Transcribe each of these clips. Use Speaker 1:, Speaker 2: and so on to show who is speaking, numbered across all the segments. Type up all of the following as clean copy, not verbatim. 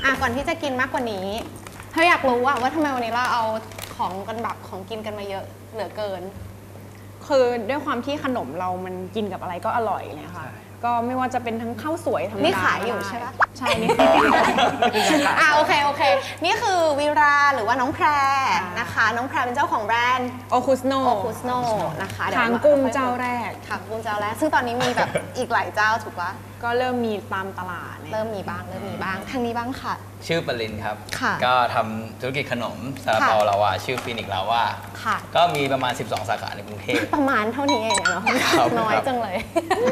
Speaker 1: ก่อนที่จะกินมากกว่านี้เธออยากรู้ว่าทำไมวันนี้เราเอาของกันแบบของกินกันมาเยอะเหลือเกิน
Speaker 2: คือด้วยความที่ขนมเรามันกินกับอะไรก็อร่อยเลยค่ะก็ไม่ว่าจะเป็นทั้งข้าวสวยธรรมดา
Speaker 1: นี่ขายอยู่ใช่ปะ
Speaker 2: ใช่นี่
Speaker 1: โอเคนี่คือวีราหรือว่าน้องแพรนะคะน้องแพรเป็นเจ้าของแบรนด์
Speaker 2: โอคุสโน
Speaker 1: นะคะ
Speaker 2: คางกุ้งเจ้าแรก
Speaker 1: ซึ่งตอนนี้มีแบบอีกหลายเจ้าถูกปะ
Speaker 2: ก็เริ่มมีตามตลาด
Speaker 1: เริ่มมีบ้างทางนี้บ้างค่ะ
Speaker 3: ชื่อปรินครับก็ทำธุรกิจขนมซาลาเปาลาวาชื่อฟินิกลาวาก็มีประมาณ12 สาขาในกรุงเทพ
Speaker 1: ประมาณเท่านี้เองเนาะน้อยจังเลย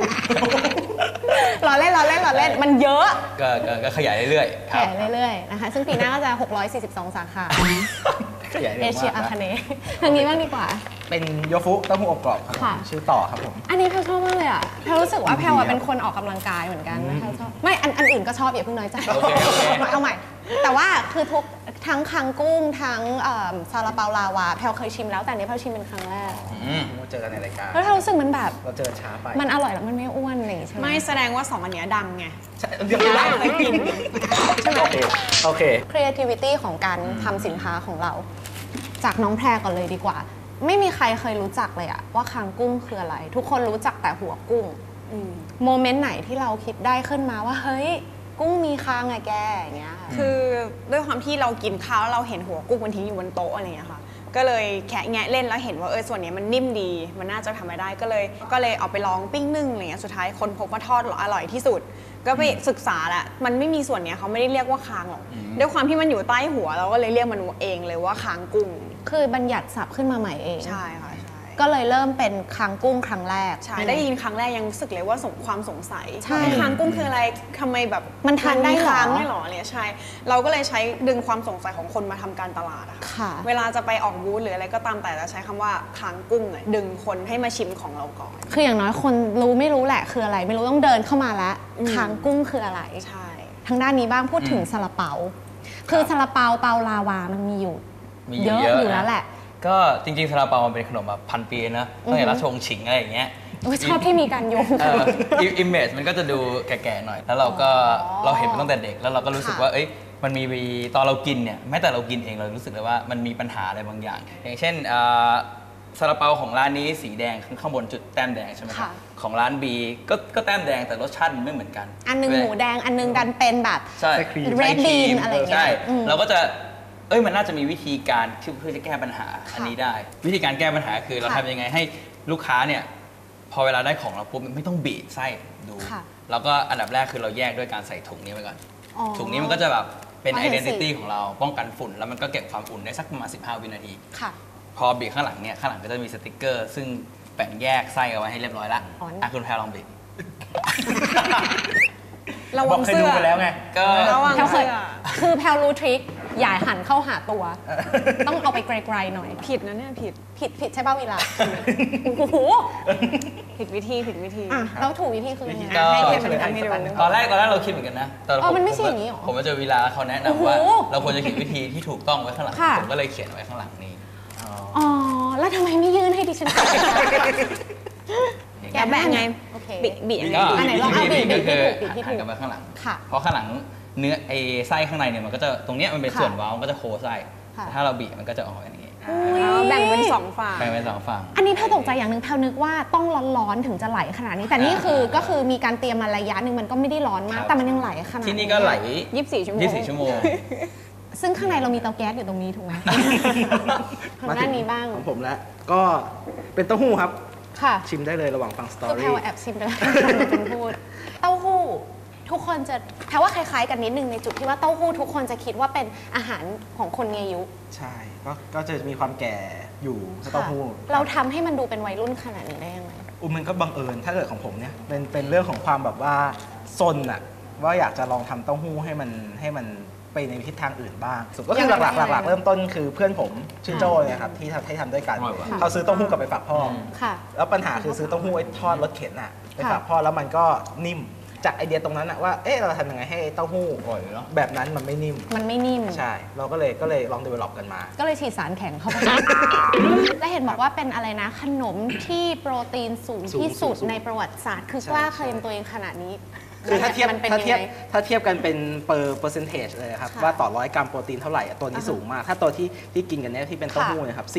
Speaker 1: ล้อเล่นมันเยอะ
Speaker 3: ก็ขยายเรื่อยๆ
Speaker 1: ขยายเรื่อยๆนะคะซึ่งปีหน้าก็จะ642 สาขาเอเชียอาคาเนย์ทางนี้บ้างดีกว่า
Speaker 4: เป็นโยฟุเต้าหู้อบกรอบครับชื่อต่อครับผม
Speaker 1: อันนี้แพลชอบมากเลยอ่ะแพลรู้สึกว่าแพลเป็นคนออกกำลังกายเหมือนกันนะแพลชอบไม่อันอื่นก็ชอบอย่าเพิ่งน้อยใจเอาใหม่แต่ว่าคือทุกทั้งคางกุ้งทั้งซาลาเปาลาวาแพลเคยชิมแล้วแต่นี้แพลชิมเป็นครั้งแรก
Speaker 4: เจอกันในรายการ
Speaker 1: แล้วแพลรู้สึกมันแบบ
Speaker 4: เราเจอช้าไป
Speaker 1: มันอร่อยแล้วมันไม่อ้วนอะไรอย่างเงี้ยใช่ไหม
Speaker 2: ไม่แสดงว่า2 อันเนี้ยดังไง
Speaker 4: เดี๋ยวเรา
Speaker 2: เคยกิน
Speaker 1: ใช่ไหม
Speaker 4: โอเค
Speaker 1: creativity ของการทำสินค้าของเราจากน้องแพรก่อนเลยดีกว่าไม่มีใครเคยรู้จักเลยอะว่าคางกุ้งคืออะไรทุกคนรู้จักแต่หัวกุ้งโมเมนต์ไหนที่เราคิดได้ขึ้นมาว่าเฮ้ยกุ้งมีคางไงแกอย่างเงี้ย
Speaker 2: คือด้วยความที่เรากินข้าวแล้วเราเห็นหัวกุ้งมันทิ้งอยู่บนโต๊ะอะไรอย่างเงี้ยค่ะก็เลยแคะแงะเล่นแล้วเห็นว่าส่วนนี้มันนิ่มดีมันน่าจะทำไม่ได้ก็เลยเอาไปลองปิ้งนึ่งอะไรเงี้ยสุดท้ายคนพบว่าทอดอร่อยที่สุดก็ไปศึกษาแหละมันไม่มีส่วนนี้เขาไม่ได้เรียกว่าคางหรอกด้วยความที่มันอยู่ใต้หัวเราก็เลยเรียกมันเองเลยว่าคางกุ้ง
Speaker 1: คือบัญญัติศัพท์ขึ้นมาใหม่เอง
Speaker 2: ใช่ค่ะ
Speaker 1: ก็เลยเริ่มเป็นคางกุ้งครั้งแรก
Speaker 2: ใช่ได้ยินครั้งแรกยังรู้สึกเลยว่าความสงสัยคางกุ้งคืออะไรทำไมแบบ
Speaker 1: มันทานได้
Speaker 2: คางไม่หรอเนี่ยใช่เราก็เลยใช้ดึงความสงสัยของคนมาทำการตลาดอะค่ะเวลาจะไปออกบูธหรืออะไรก็ตามแต่จะใช้คำว่าคางกุ้งดึงคนให้มาชิมของเราก่อน
Speaker 1: คืออย่างน้อยคนรู้ไม่รู้แหละคืออะไรไม่รู้ต้องเดินเข้ามาแล้วคางกุ้งคืออะไร
Speaker 2: ใช่
Speaker 1: ทางด้านนี้บ้างพูดถึงซาลาเปาคือซาลาเปาเปาลาวามันมีอยู่เยอะอยู่แล้วแหละ
Speaker 3: ก็จริงๆซาลาเปามันเป็นขนมแบบ1,000 ปีนะตั้งแต่ราชวงศ์ฉิงอะไรอย่างเงี้ย
Speaker 1: ชอบที่มีการโยง
Speaker 3: อิมเมจมันก็จะดูแก่ๆหน่อยแล้วเราเห็นมันตั้งแต่เด็กแล้วเราก็รู้สึกว่ามันมีตอนเรากินเนี่ยแม้แต่เรากินเองเรารู้สึกเลยว่ามันมีปัญหาอะไรบางอย่างอย่างเช่นซาลาเปาของร้านนี้สีแดงข้างบนจุดแต้มแดงใช่ไหมครับของร้าน B ก็แต้มแดงแต่รสชาติมันไม่เหมือนกัน
Speaker 1: อันนึงหมูแดงอันนึงดันเป็นแบบเรดบีนอะไรอย่างเงี้ย
Speaker 3: ใช่เราก็จะมันน่าจะมีวิธีการเพื่อจะแก้ปัญหาอันนี้ได้วิธีการแก้ปัญหาคือเราทำยังไงให้ลูกค้าเนี่ยพอเวลาได้ของเราปุ๊บไม่ต้องบีบไส้ดูแล้วก็อันดับแรกคือเราแยกด้วยการใส่ถุงนี้ไว้ก่อนถุงนี้มันก็จะแบบเป็น identity ของเราป้องกันฝุ่นแล้วมันก็เก็บความอุ่นได้สักประมาณ15 วินาทีพอบีบข้างหลังเนี่ยข้างหลังก็จะมีสติกเกอร์ซึ่งแบ่งแยกไส้เอาไว้ให้เรียบร้อยแล้วคุณแพรลองบีบ
Speaker 2: ระวังเสื้อ
Speaker 4: ไปแล้วไง
Speaker 3: ก็
Speaker 2: ระวังเสื้อ
Speaker 1: คือแพลรู้ทริคอย่าหันเข้าหาตัวต้องเอาไปไกลๆหน่อย
Speaker 2: ผิดนะเนี่ย
Speaker 1: ผิดใช่ป่ะเวลาโอ้โห
Speaker 2: ผิดวิธี
Speaker 1: แล้วถูกวิธีคือยังไง
Speaker 2: ให้เทียบเป็นการให้ดู
Speaker 3: ตอนแรกเราคิดเหมือนกันนะแต่
Speaker 1: มันไม่ใช่อย่างนี้หรอ
Speaker 3: ผมมาเจอเวลาเขาแนะนำว่าเราควรจะเขียนวิธีที่ถูกต้องไว้ข้างหลังผมก็เลยเขียนไว้ข้างหลังนี้
Speaker 1: แล้วทำไมไม่ยื่นให้ดิฉัน
Speaker 2: แกะแบบไงบียังไง
Speaker 1: อันไหนลองเอาบี
Speaker 3: ก็คือหันกลับมาข้างหลังเพราะข้างหลังเนื้อไส้ข้างในเนี่ยมันก็จะตรงเนี้ยมันเป็นส่วนเว้ามันก็จะโคไส้ถ้าเราบีมันก็จะออกอย่างนี้
Speaker 2: แบ่งเป็น2 ฝั่ง
Speaker 1: อันนี้แพลตกใจอย่างนึงแพลนึกว่าต้องร้อนๆถึงจะไหลขนาดนี้แต่นี่คือก็คือมีการเตรียมมาระยะนึงมันก็ไม่ได้ร้อนมากแต่มันยังไหลขนาด
Speaker 3: ที่นี่ก็ไหล
Speaker 2: 24 ชั่วโมง
Speaker 1: ซึ่งข้างในเรามีเตาแก๊สอยู่ตรงนี้ถูกไหมทางด้านนี้บ้าง
Speaker 4: ของผมแล้วก็เป็นเต้าหู้ครับชิมได้เลยระหว่างฟังสตอรี่
Speaker 1: ก็แพลว่าแอบชิมไปแล้วคุณพูดเต้าหู้ทุกคนจะแปลว่าคล้ายๆกันนิดนึงในจุดที่ว่าเต้าหู้ทุกคนจะคิดว่าเป็นอาหารของคนมีอายุ
Speaker 4: ใช่ก็จะมีความแก่อยู่เต้าหู้
Speaker 1: เราทำให้มันดูเป็นวัยรุ่นขนาดนี้ได้ยังไง
Speaker 4: มันก็บังเอิญถ้าเกิดของผมเนี่ยเป็นเรื่องของความแบบว่าซนอะว่าอยากจะลองทำเต้าหู้ให้มันไปในทิศทางอื่นบ้างสุดก็คือหลักเริ่มต้นคือเพื่อนผมชื่อโจ้เนี่ยครับที่ทำด้วยกันเขาซื้อเต้าหู้กลับไปฝากพ่อแล้วปัญหาคือซื้อเต้าหู้ไอ้ทอดรถเข็นอะไปฝากพ่อแล้วมันก็นิ่มจากไอเดียตรงนั้นอะว่าเราทำยังไงให้เต้าหู้แบบนั้นมันไม่นิ่มใช่เราก็เลยลอง develop กันมา
Speaker 1: ก็เลยฉีดสารแข็งเข้าไปและเห็นบอกว่าเป็นอะไรนะขนมที่โปรตีนสูงที่สุดในประวัติศาสตร์คือกล้าเคลมตัวเองขนาดนี้
Speaker 4: คือถ้าเทียบ
Speaker 1: มันเป็น
Speaker 4: ถ้าเทียบ
Speaker 1: ยังไง
Speaker 4: ถ้าเทียบกันเป็นpercentage เลยครับ
Speaker 2: ค่ะ
Speaker 4: ว่าต่อ100 กรัมโปรตีนเท่าไหร่อะตัวนี้สูงมาก ถ้าตัวที่กินกันเนี่ยที่เป็นเต้าหู้เนะครับ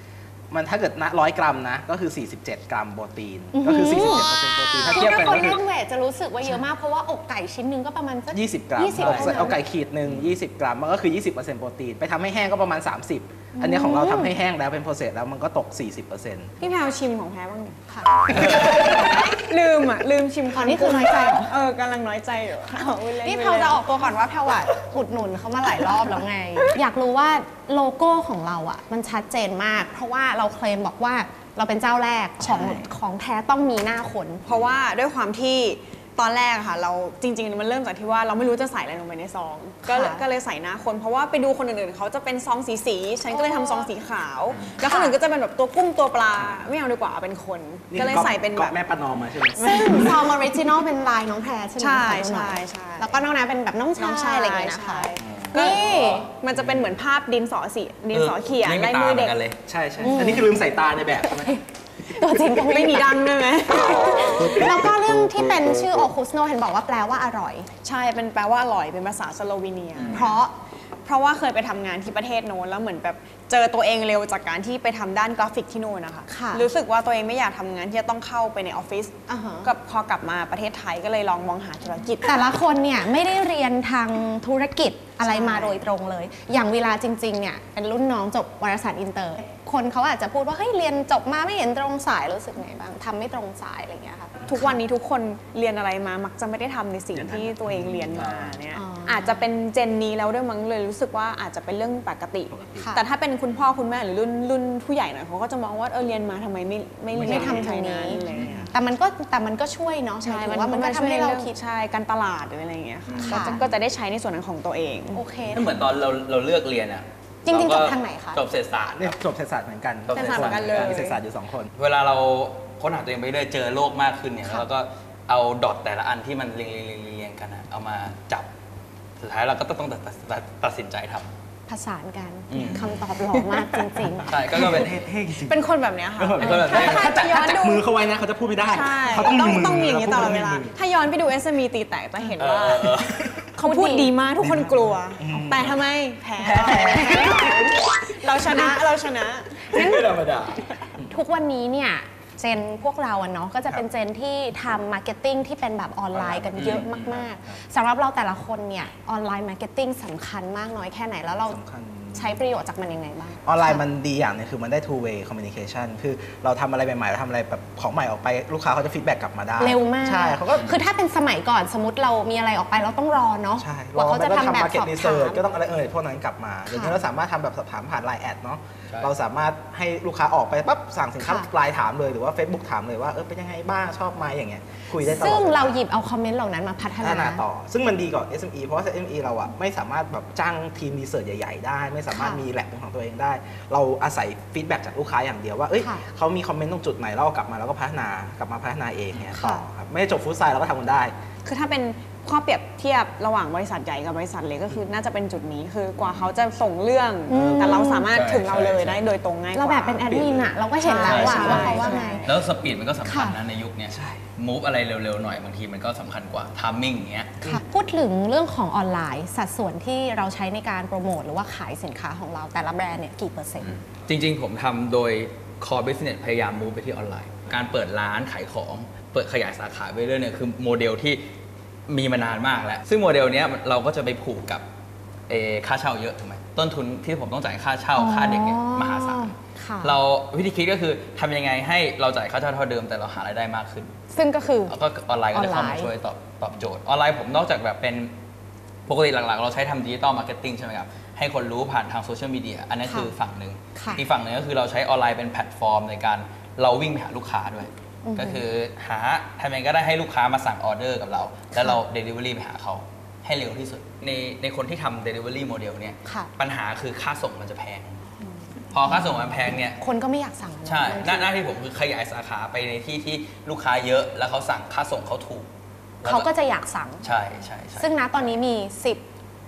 Speaker 4: 40มันถ้าเกิดนะ100 กรัมนะก็คือ47 กรัมโปรตีนก็คือ47%โปรตีนถ้า
Speaker 1: คือ
Speaker 4: เทียบ
Speaker 1: ถ้า
Speaker 4: กัน
Speaker 1: คน
Speaker 4: ก็คือ
Speaker 1: เล่นเวทจะรู้สึกว่าเยอะมากเพราะว่าอกไก่ชิ้นหนึงก็ประมาณสัก
Speaker 4: 20 กรัม
Speaker 1: 20
Speaker 4: เอาไก่ขีดหนึ่ง20 กรัมมันก็คือ 20%โปรตีนไปทำให้แห้งก็ประมาณ 30 อันเนี้ยของเราทำให้แห้งแล้วเป็นโปรเซสแล้วมันก็ตก 40%
Speaker 2: พี่แพลวชิมของแพ้บ้างดิ
Speaker 1: ค่ะ
Speaker 2: ลืมชิม
Speaker 1: อ๋อนี่คือน้อยใจเหรอ
Speaker 2: กำลังน้อยใจอยู่พูดล่
Speaker 1: นี่แพลวจะออกตัวก่อนว่าแพลวอะอุดหนุนเขามาหลายรอบแล้วไง อยากรู้ว่าโลโก้ของเราอะมันชัดเจนมาก เพราะว่าเราเคลมบอกว่าเราเป็นเจ้าแรกของแท้ต้องมีหน้าคน
Speaker 2: เพราะว่าด้วยความที่ตอนแรกอะค่ะเราจริงๆมันเริ่มจากที่ว่าเราไม่รู้จะใส่อะไรลงไปในซองก็เลยใส่หน้าคนเพราะว่าไปดูคนอื่นๆเขาจะเป็นซองสีฉันก็เลยทำซองสีขาว แล้วคนอื่นก็จะเป็นแบบตัวกุ้งตัวปลาไม่เอาดีกว่าเอาเป็นคน ก็เลยใส่เป็นแบบ
Speaker 4: แม่ประนอมมาใช่ไหม
Speaker 1: ซึ่งซองออริจินอลเป็นลายน้องแพรใช่ไหม
Speaker 2: ใช่
Speaker 1: ขอดูหน่อย
Speaker 2: ใช่
Speaker 1: แล้วก็น้องนาเป็นแบบน้องชายอะไรอย่างเงี้ยนะคะ นี่
Speaker 2: มันจะเป็นเหมือนภาพดินสอเขียน
Speaker 3: ไม่มี
Speaker 2: ลาย
Speaker 3: ตา
Speaker 2: มือ
Speaker 3: เหมื
Speaker 2: เด็
Speaker 3: อก นกันเลย
Speaker 4: ใช่อันนี้คือลืมใส่ตาในแบบใช่ไหม
Speaker 1: ตัวจริงก็
Speaker 2: ไม่มีดังด้วยไหม
Speaker 1: แล้วก็เรื่องที่เป็นชื่อโอคุสโนเห็นบอกว่าแปลว่าอร่อย
Speaker 2: ใช่เป็นแปลว่าอร่อยเป็นภาษาสโลวีเนีย เพราะว่าเคยไปทำงานที่ประเทศโน้นแล้วเหมือนแบบเจอตัวเองเร็วจากการที่ไปทำด้านกราฟิกที่โน้นนะคะ
Speaker 1: ค่ะ
Speaker 2: รู้สึกว่าตัวเองไม่อยากทำงานที่จะต้องเข้าไปในออฟฟิศ
Speaker 1: อ่าฮะ
Speaker 2: ก็พอกลับมาประเทศไทยก็เลยลองมองหาธุรกิจ
Speaker 1: แต่ละคนเนี่ยไม่ได้เรียนทางธุรกิจอะไรมา
Speaker 2: ใช่
Speaker 1: โดยตรงเลย อย่างเวลาจริงๆเนี่ยเป็นรุ่นน้องจบวารสารอินเตอร์ คนเขาอาจจะพูดว่าเฮ้ยเรียนจบมาไม่เห็นตรงสายรู้สึกไงบ้างทำไม่ตรงสายอะไรอย่างเงี้ยค่ะ
Speaker 2: ทุกวันนี้ทุกคนเรียนอะไรมามักจะไม่ได้ทำในสิ่งที่ตัวเองเรียนมาเนี่ย
Speaker 1: อ๋อ
Speaker 2: อาจจะเป็นเจนนี้แล้วด้วยมั้งเลยรู้สึกว่าอาจจะเป็นเรื่องปกติ
Speaker 1: ค่ะ
Speaker 2: แต่ถ้าเป็นคุณพ่อคุณแม่หรือรุ่นผู้ใหญ่หน่อยเขาก็จะมองว่าเรียนมาทำไมไม่เรียน
Speaker 1: ไม่ทำทางนี้
Speaker 2: อะไรอย่างเงี้ย
Speaker 1: แต่มันก็ช่วยเนาะหมายถึงว่ามันก็ทำให้เราคิด
Speaker 2: ใช่การตลาดหรืออะไรอย่างเงี้ยค่ะ
Speaker 1: ค่ะ
Speaker 2: ก็จะได้ใช้ในส่วนนั้นของตัวเอง
Speaker 1: โอเค
Speaker 3: ก็เหมือนตอนเราเลือกเรียนอะ
Speaker 1: จริงๆ
Speaker 3: เก็
Speaker 1: จบทางไหนคะ
Speaker 3: จบเศรษฐศาสตร์
Speaker 4: เนี่ยจบเศรษฐศาสตร์เหมือนกัน
Speaker 3: จบเศรษฐศาสตร์เหมือนกันเลย
Speaker 4: มีเศรษฐศาสตร์อยู่2 คน
Speaker 3: เวลาเราค้นหาตัวเองไปเรื่อยเจอโลกมากขึ้นเนี่ยแล้วเราก็เอาดอทแต่ละอันที่มันเรียงกันอะเอามาจับสุดท้ายเราก็ต้องตัดสินใจทำ
Speaker 1: ผสานกัน
Speaker 3: อืม
Speaker 1: คำตอบหล่อมากจริง
Speaker 3: ใช่ก็เป็น
Speaker 4: เท่จริง
Speaker 2: เป็นคนแบบเนี้ยค่ะ
Speaker 3: เป็นคนแบบนี้
Speaker 4: ถ้าจับ
Speaker 2: ย้อนดู
Speaker 4: มือเขาไว้นะเขาจะพูดไม่ได้
Speaker 2: ใช่
Speaker 4: เขาต้องมีมือ
Speaker 2: ต้องมีอย่างนี้ตลอดเวลา
Speaker 4: พูไม่มีมือ
Speaker 2: ถ้าย้อนไปดู SME ตีแตกจะเห็นว่า
Speaker 3: เออ
Speaker 2: เขาพูดดีมากทุกคนกลัว แต่ทำไมแพ้เราชนะ
Speaker 3: ไม่ธรรมดา
Speaker 1: ๆ ทุกวันนี้เนี่ยเจนพวกเราอะเนาะก็จะเป็นเจนที่ทำมาร์เก็ตติ้งที่เป็นแบบออนไลน์กันเยอะมากๆสำหรับเราแต่ละคนเนี่ยออนไลน์มาร์เก็ตติ้งสำคัญมากน้อยแค่ไหนแล้วเรา
Speaker 4: สำคัญ
Speaker 1: ใช้ประโยชน์จากมันยังไงบ้าง
Speaker 4: ออนไลน์มันดีอย่างหนึงคือมันได้ two way communication คือเราทำอะไรใหม่ๆเราทำอะไรแบบของใหม่ออกไปลูกค้าเขาจะฟีดแบ็กกลับมาได้
Speaker 1: เร็วมาก
Speaker 4: ใช่เขาก็
Speaker 1: คือถ้าเป็นสมัยก่อนสมมติเรามีอะไรออกไปเราต้องรอเนาะ
Speaker 4: ใช่
Speaker 1: กว่าเขาจะทำแบบ
Speaker 4: market
Speaker 1: สอบถา
Speaker 4: research
Speaker 1: ม
Speaker 4: ก็ต้องอะไรพวกนั้นกลับมาเดี๋ยวนี้เราสามารถทำแบบสอบถามผ่านไลน์แอดเนาะ
Speaker 3: ใช่
Speaker 4: เราสามารถให้ลูกค้าออกไปปั๊บสั่งสินค้า
Speaker 1: ค่ะ
Speaker 4: ไลน์ถามเลยหรือว่า Facebook ถามเลยว่าเป็นยังไงบ้างชอบไหมอย่างเงี้ยคุยได้ตลอด
Speaker 1: ซึ่ง
Speaker 4: วล
Speaker 1: เราหยิบเอาคอมเมนต์เหล่านั้นมาพัฒ
Speaker 4: พัฒนา
Speaker 1: นา
Speaker 4: ต่อ ซึ่งมันดีกว่า SME เพราะว่า SME เราอะไม่สามารถแบบจ้างทีมรีเสิร์ชใหญ่ๆได้ ไม่สามารถ
Speaker 1: ค่ะ
Speaker 4: มีแลบเป็นของตัวเองได้ เราอาศัยฟีดแบ็กจากลูกค้าอย่างเดียวว่าเอ้ย
Speaker 1: ค่ะ
Speaker 4: เขามีคอมเมนต์ตรงจุดไหนเราเอากลับมาแล้วก็พัฒนากลับมาพัฒนาเองเนี่ย
Speaker 1: ค่ะ
Speaker 4: ต่อครับไม่ได้จบฟุตไซด์เราก็ทำมันได้
Speaker 2: คือถ้าเป็นข้อเปรียบเทียบระหว่างบริษัทใหญ่กับบริษัทเล็กก็คือน่าจะเป็นจุดนี้คือกว่าเขาจะส่งเรื่อง แต่เราสามารถถึงเราเลยได้โดยตรงง่ายกว่า
Speaker 1: เราแบบเป็นแอดมินอะเราก็เห็นแล้วอะ
Speaker 2: ใช่
Speaker 1: ว่าเขาว่าไง
Speaker 3: แล้วสปีดมันก็สำคัญ
Speaker 1: ค่ะ
Speaker 3: นะในยุคเนี้ยมูฟอะไรเร็วๆหน่อยบางทีมันก็สำคัญกว่าทามมิ่งอย่างเงี้ย
Speaker 1: ค่ะพูดถึงเรื่องของออนไลน์สัดส่วนที่เราใช้ในการโปรโมทหรือว่าขายสินค้าของเราแต่ละแบรนด์เนี่ยกี่เปอร์เซ็นต์
Speaker 3: จริงๆ ผมทำโดย core business พยายาม move ไปที่ออนไลน์ การเปิดร้านขายของ เปิดขยายสาขาไปเรื่อยเนี่ยคือโมเดลที่มีมานานมากแล้ว ซึ่งโมเดลเนี้ยเราก็จะไปผูกกับค่าเช่าเยอะถูกไหมต้นทุนที่ผมต้องจ่ายค่าเช่าค่าเด็กเนี่ยมหาศาล
Speaker 1: ค่ะ
Speaker 3: เราวิธีคิดก็คือทำยังไงให้เราจ่ายค่าเช่าเท่าเดิมแต่เราหารายได้มากขึ้น
Speaker 1: ซึ่งก็คือ
Speaker 3: แล้วก็ออนไลน์ก็จะเข้า
Speaker 1: ออน
Speaker 3: มา
Speaker 1: ไลน์
Speaker 3: ช่วยตอบโจทย์ ออนไลน์ผมนอกจากแบบเป็นปกติหลักๆ เราใช้ทำดิจิตอลมาร์เก็ตติ้งใช่ไหมครับ ให้คนรู้ผ่านทางโซเชียลมีเดียอันนั้นคือฝั่งหนึ่ง
Speaker 1: ค่ะ
Speaker 3: อีกฝั่งหนึ่งก็คือเราใช้ออนไลน์เป็นแพลตฟอร์มในการเราวิ่งไปหาลูกค้าด้วย ก็คือทำยังไงก็ได้ให้ลูกค้ามาสั่งออเดอร์กับเรา แล้วเรา Delivery ไปหาเขาให้เร็วที่สุด ในคนที่ทำ Delivery Model เนี่ย
Speaker 1: ค่ะ
Speaker 3: ปัญหาคือค่าส่งมันจะแพง พอค่าส่งมันแพงเนี่ย
Speaker 1: คนก็ไม่อยากสั่งอะ
Speaker 3: ใช่
Speaker 1: บางที
Speaker 3: หน้าที่ผมคือขยายสาขาไปในที่ที่ลูกค้าเยอะแล้วเขาสั่งค่าส่งเขาถูกแล้ว
Speaker 1: เขาก็จะอยากสั่ง
Speaker 3: ใช่ใช่ใช่
Speaker 1: ซึ่งณตอนนี้มี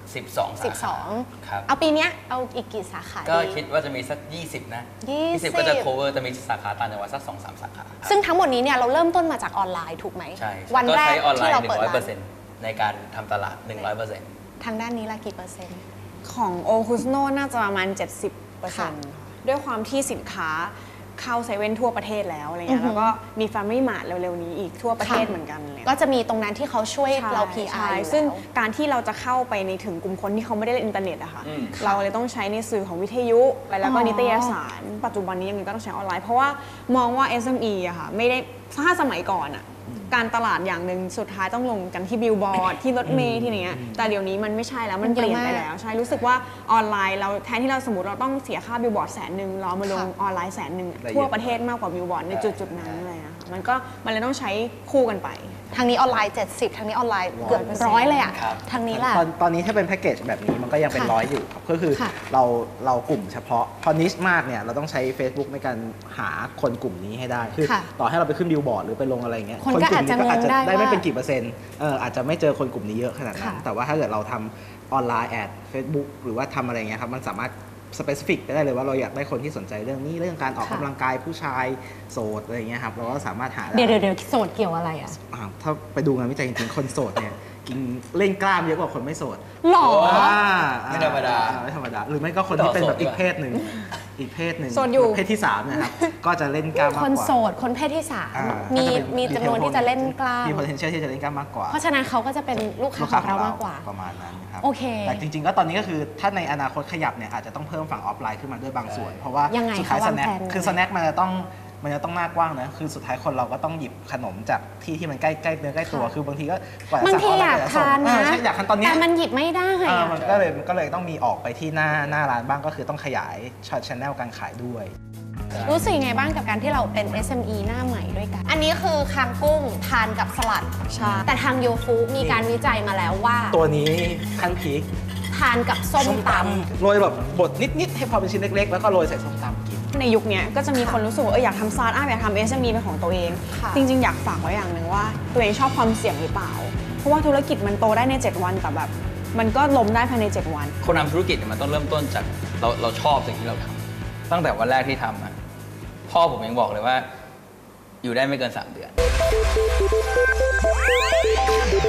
Speaker 3: 12 สาขาครับ
Speaker 1: เอาปีเนี้ยเอาอีกกี่สาขา
Speaker 3: ก็
Speaker 1: ดี
Speaker 3: คิดว่าจะมีสัก 20 นะ
Speaker 1: 20
Speaker 3: ก็จะ cover จะมีสาขาต่างจังหวัดสัก 2-3 สาขา
Speaker 1: ซึ่งทั้งหมดนี้เนี่ยเราเริ่มต้นมาจากออนไลน์ถูกไหม
Speaker 3: ใช่
Speaker 1: วันแรก
Speaker 3: ใช้ออนไล
Speaker 1: ที่
Speaker 3: น์
Speaker 1: เราเปิดร้าน
Speaker 3: 100%ในการทำตลาด 100%
Speaker 1: ทางด้านนี้ละกี่เปอร์เซ็นต์
Speaker 2: ของโอคุสโนน่าจะประมาณ 70%
Speaker 1: ค่ะ
Speaker 2: ด้วยความที่สินค้าเข้าเซเว่นทั่วประเทศแล้วอะไรเงี้ยแล้วก็มี Family Mart เร็วๆนี้อีกทั่วประเทศเหมือนกันเลย
Speaker 1: ก็จะมีตรงนั้นที่เขาช่วยเรา PR
Speaker 2: ใช่
Speaker 1: อยู่
Speaker 2: ซึ่ง
Speaker 1: แล้ว
Speaker 2: การที่เราจะเข้าไปในถึงกลุ่มคนที่เขาไม่ได้เล่นอินเทอร์เน็ตอะค่ะ
Speaker 3: อืม
Speaker 2: เราเลยต้องใช้ในสื่อของวิทยุไปแล้วก็
Speaker 1: อ๋อ
Speaker 2: นิตยสาร ปัจจุบันนี้ยังไงก็ต้องใช้ออนไลน์ เพราะว่ามองว่า SME อะค่ะไม่ได้ถ้าสมัยก่อนอะการตลาดอย่างหนึ่งสุดท้ายต้องลงกันที่บิลบอร์ดที่รถเมล์ที่ไหนเงี้ยแต่เดี๋ยวนี้มันไม่ใช่แล้วมันเปลี่ยนไปแล้วใช่รู้สึกว่าออนไลน์เราแทนที่เราสมมติเราต้องเสียค่าบิลบอร์ด100,000เราเอามาลงออนไลน์100,000ทั่วประเทศมากกว่าบิลบอร์ดในจุดๆนั้นเลยนะคะมันเลยต้องใช้คู่กันไป
Speaker 1: ทางนี้ออนไลน์ 70 ทางนี้ออนไลน์เกือบ100เลยอ่ะ
Speaker 3: ครับ
Speaker 1: ทางนี้ล่ะ
Speaker 4: ตอนนี้ถ้าเป็นแพ็กเกจแบบนี้มันก็ยังเป็น
Speaker 1: ค่ะ
Speaker 4: ร้อยอยู่ครับก็คือ
Speaker 1: ค่ะ
Speaker 4: เรากลุ่มเฉพาะพอนิชมากเนี่ยเราต้องใช้ Facebook ในการหาคนกลุ่มนี้ให้ได้คือ
Speaker 1: ค่ะ
Speaker 4: ต่อให้เราไปขึ้นบิลบอร์ดหรือไปลงอะไรอย่างเงี้ย
Speaker 1: คนก็อาจจะ
Speaker 4: กลุ่มนี้
Speaker 1: งงได้
Speaker 4: ได้ไม่
Speaker 1: ว่า
Speaker 4: เป็นกี่เปอร์เซ็นต์อาจจะไม่เจอคนกลุ่มนี้เยอะขนาดนั้น
Speaker 1: ค่ะ
Speaker 4: แต่ว่าถ้าเกิดเราทำออนไลน์แอด Facebook หรือว่าทำอะไรเงี้ยครับมันสามารถสเปซิฟิกได้เลยว่าเราอยากได้คนที่สนใจเรื่องนี้เรื่องการออก
Speaker 1: ค่ะ
Speaker 4: กำลังกายผู้ชายโสดอะไรเงี้ยครับเราก็สามารถหาได้
Speaker 1: เดี๋ยวโสดเกี่ยวอะไรอ่ะ
Speaker 4: ถ้าไปดูงานวิจัยจริงๆ คนโสดเนี่ยกินเล่นกล้ามเยอะกว่าคนไม่โสด
Speaker 1: หรอ
Speaker 3: ไม่ธรรมดา
Speaker 4: ไม่ธรรมดา หรือไม่ก็คนที่เป็นแบบอีกเพศหนึ่ง
Speaker 2: โสดอยู่
Speaker 4: เพศที่3นะครับ ก็จะเล่นกล้ามมากกว่า
Speaker 1: คนโสด คนเพศที่
Speaker 4: อ่า
Speaker 1: 3 มี
Speaker 4: ก็จะเป็น
Speaker 1: มีจำนวนที่จะเล่นกล้าม
Speaker 4: มี potential ที่จะเล่นกล้ามมากกว่า
Speaker 1: เพราะฉะนั้นเขาก็จะเป็นลูกค้าของเรามากกว่า
Speaker 4: ประมาณนั้นครับ
Speaker 1: โอเค
Speaker 4: แต่จริงๆ ก็ตอนนี้ก็คือถ้าในอนาคตขยับเนี่ยอาจจะต้องเพิ่มฝั่งออฟไลน์ขึ้นมาด้วยบางส่วน เพราะว่า
Speaker 1: ยังไง
Speaker 4: สุดท้าย
Speaker 1: คะ
Speaker 4: ส
Speaker 1: วาง
Speaker 4: แน็ค
Speaker 1: แผน
Speaker 4: คือสแน็คมันจะต้องหน้ากว้างนะคือสุดท้ายคนเราก็ต้องหยิบขนมจากที่มันใกล้เนื้อใกล้ตัว คือบางทีก็กว่าจะ
Speaker 1: บาง
Speaker 4: สั่ง
Speaker 1: ที
Speaker 4: ออนไล
Speaker 1: อยาก
Speaker 4: น์กว่าจะส่ง
Speaker 1: ทานนะ
Speaker 4: ใช่อยากทานตอนเนี้ย
Speaker 1: แต่มันหยิบไม่ได้
Speaker 4: มันก็เลยต้องมีออกไปที่หน้าร้านบ้างก็คือต้องขยายช็อตชแนลการขายด้วย
Speaker 1: รู้สึกยังไงบ้างกับการที่เราเป็น SME หน้าใหม่ด้วยกัน อันนี้คือคางกุ้งทานกับสลัด
Speaker 2: ใช่
Speaker 1: แต่ทางโยฟูมีการวิจัยมาแล้วว่า
Speaker 4: ตัวนี้ขั้นพีค
Speaker 1: ทานกับส้มตำ
Speaker 4: โรยแบบบดนิดๆให้พอเป็นชิ้นเล็กๆ แล้วก็โรยใส่ส้มตำกิน
Speaker 2: ในยุคนี้ก็จะมีคนรู้สึกว่าอยากทำสตาร์ทอัพอยากทำ SME เป็นของตัวเอง
Speaker 1: ค่ะ
Speaker 2: จริงๆ อยากฝากไว้อย่างหนึ่งว่า ตัวเองชอบความเสี่ยงหรือเปล่า เพราะว่าธุรกิจมันโตได้ใน 7 วันแต่แบบมันก็ล้มได้ภายใน 7 วัน
Speaker 3: คนทำธุรกิจเนี่ยมันต้องเริ่มต้นจากเราชอบสิ่งที่เราทำตั้งแต่วันแรกที่ทำอะพ่อผมยังบอกเลยว่า อยู่ได้ไม่เกิน 3 เดือน